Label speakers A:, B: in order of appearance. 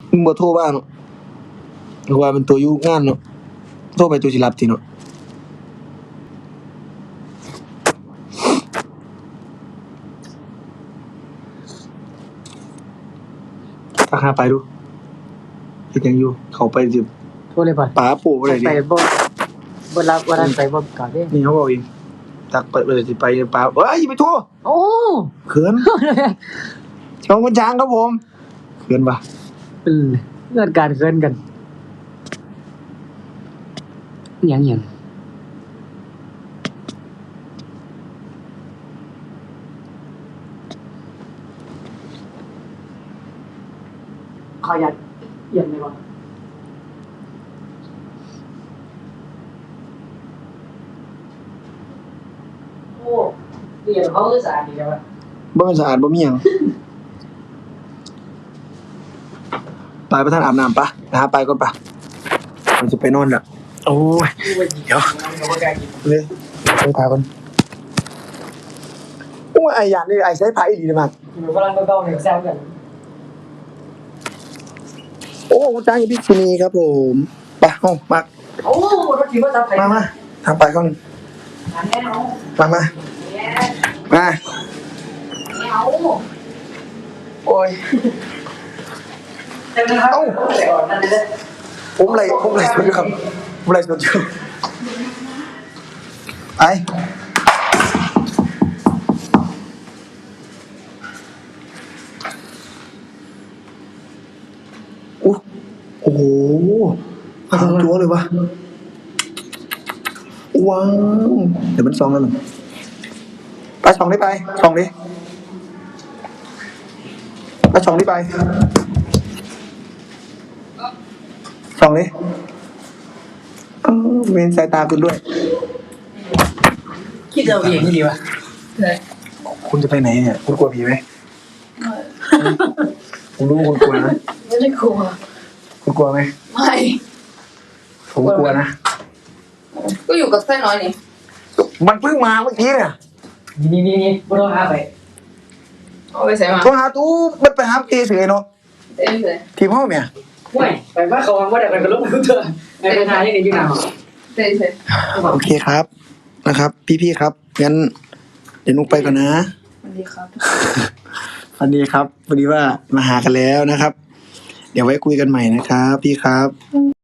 A: มึงบ่โทรบ้างเนาะเพราะว่าเป็นตัวอยู่งานเนาะโทรไปตัวสิรับติเนาะทักหาไปดูเฮ็ดหยังอยู่เข้าไปสิ
B: โทรเลยป่ะ
A: ป๋าปู่บ่ได้ดิ
B: ไปบ่รับว่านั้นไปบ่กลับเด้
A: นี่เขาบอกเองทักไปเลยสิไปป๋าเอ้ยอย่าไปโทร
B: โอ้
A: เขินน้องคนช้างครับผมเขินปะ
B: เป็นเรื่องการเกินกันหยังขอยัดเยี่ยมเลยบ่โอ้เดี๋ยวเขาคือสะอาดดีจังวะ
A: บ่สะอาดบ่มีหยังไปประธานอาบน้ำปะนะฮะไปก่อนปะเราจะไปนอนละโอ้ยเดี๋ยวเลยใช้ผ้าก่อนโอ้ยไอ้ยานนี่ไอ้ใช้ผ้าอีหลีเลยมาก
B: อยู่กำลังเก่าๆเนี่ยแซวกัน
A: โอ้คุณจ้างอยู่พิษุณีครับผมไปห้องมา
B: โอ้รถขี่มาทับไป
A: มาทำไปก่อน
B: อันนี้เอา
A: มามา
B: เนี่ย
A: มา
B: ไม่เอา
A: โอ้ย
B: เต็มนะครับใส่อ่อนนั่นเลย
A: ผมไรสดอยู่ครับผมไรสดอยู่ไปโอ้โหหางจัวเลยวะว้าวเดี๋ยวมันซองแล้วหนึ่งไปส่องได้ไปส่องดิไปส่องดิไปส่องดิเว้นสายตาคุณด้วย
B: คิดเอาเองนี่ดีวะ
A: คุณจะไปไหนเนี่ยคุณกลัวผีไหมผมรู้คุณกลัวนะ
C: ไม่ได้กลัว
A: คุณกลัวไหม
C: ไม่
A: ผมกลัวนะ
C: ก็อยู่กับไส้น้อยนี่
A: มันเพิ่งมาเมื่อกี้เนี่ย
B: นี่บ่ต้องหาไป
C: เอาไปใส่มา
A: โทรหาตู้มันไปหาเอเฉยเนาะ
C: เต้นเลย
A: ทีมห้องเนี่ย
B: ห่วยไปว่าเขาวางว่าเดี๋ยวไปกับลูกกูเถอะในปัญหาที่นี่อยู่หนาว
C: เต้นเลย
A: โอเคครับนะครับ พี่ๆครับงั้นเดี๋ยวนุกไปก่อนนะ
C: สวัสดีครับ
A: วันนี้ครับพอดีว่ามาหากันแล้วนะครับ เดี๋ยวไว้คุยกันใหม่นะครับ พี่ครับ